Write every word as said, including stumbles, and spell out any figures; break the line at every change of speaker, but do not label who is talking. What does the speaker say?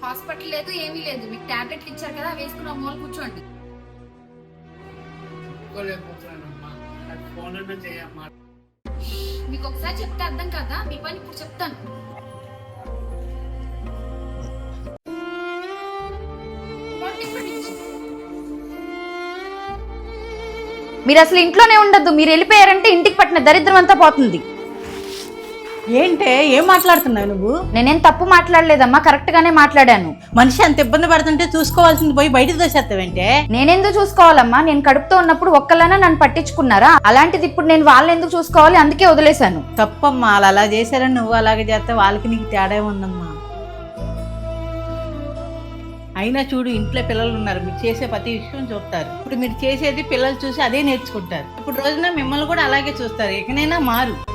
Hospital లేదు, ఏమీ లేదు. మీకు టాబ్లెట్లు ఇచ్చారు కదా, వేసుకున్న మూల కూర్చోండి. మీకు ఒకసారి చెప్తే అర్థం కదా, మీ పని ఇప్పుడు చెప్తాను.
మీరు అసలు ఇంట్లోనే ఉండద్దు. మీరు వెళ్ళిపోయారంటే ఇంటికి పట్టిన దరిద్రం అంతా పోతుంది.
ఏంటే ఏం మాట్లాడుతున్నావు నువ్వు?
నేనేం తప్పు మాట్లాడలేదమ్మా, కరెక్ట్ గానే మాట్లాడాను.
మనిషి అంత ఇబ్బంది పడుతుంటే చూసుకోవాల్సింది పోయి బయటకు దోసేస్తావంటే?
నేనెందుకు చూసుకోవాలమ్మా? నేను కడుపుతో ఉన్నప్పుడు ఒక్కలైనా నన్ను పట్టించుకున్నారా? అలాంటిది ఇప్పుడు నేను వాళ్ళని ఎందుకు చూసుకోవాలి? అందుకే వదిలేశాను.
తప్పమ్మా, అలా అలా చేశారని నువ్వు అలాగే చేస్తే వాళ్ళకి నీకు తేడా ఉందమ్మా. అయినా చూడు, ఇంట్లో పిల్లలు ఉన్నారు, మీరు చేసే ప్రతి విషయం చూస్తారు. ఇప్పుడు మీరు చేసేది పిల్లలు చూసి అదే నేర్చుకుంటారు. ఇప్పుడు రోజున మిమ్మల్ని కూడా అలాగే చూస్తారు. ఇకనైనా మారు.